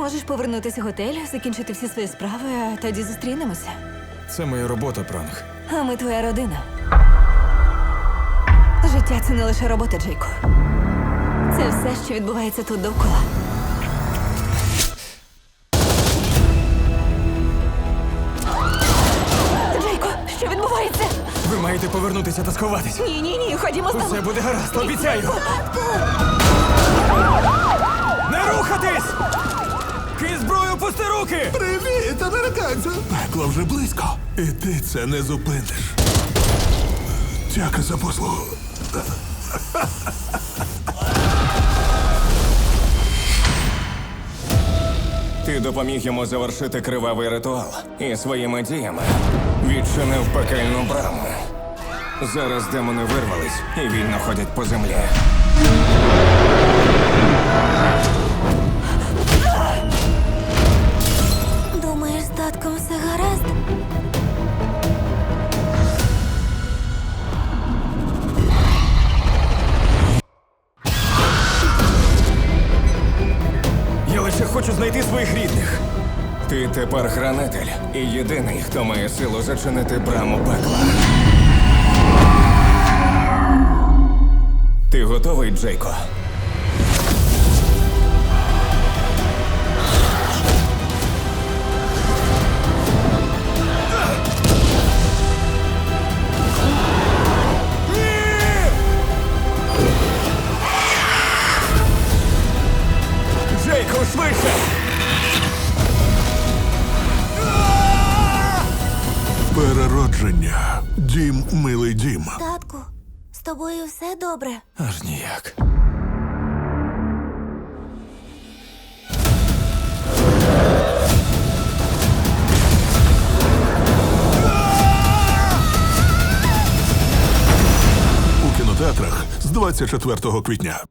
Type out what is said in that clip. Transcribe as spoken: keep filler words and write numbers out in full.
Можеш повернутися в готель, закінчити всі свої справи, а тоді зустрінемося. Це моя робота, пранк. А ми твоя родина. Життя – це не лише робота, Джейко. Це все, що відбувається тут довкола. Джейко, що відбувається? Ви маєте повернутися та сховатись. Ні, ні, ні, ходімо з тобою. Усе буде гаразд, обіцяю. Не рухатись! Ки зброю, пусти руки! Привіт, американцю! Пекло вже близько. І ти це не зупиниш. Дяка за послугу. Ти допоміг йому завершити кривавий ритуал і своїми діями відчинив пекельну браму. Зараз демони вирвались і вільно ходять по землі. Думаєш, з татком все гаразд? Я лише хочу знайти своїх рідних. Ти тепер хранитель і єдиний, хто має силу зачинити браму пекла. Ти готовий, Джейко? Джейко, швидше! Переродження. Дім, милий дім. Татку, з тобою все добре? Аж ніяк. У кінотеатрах з двадцять четвертого квітня.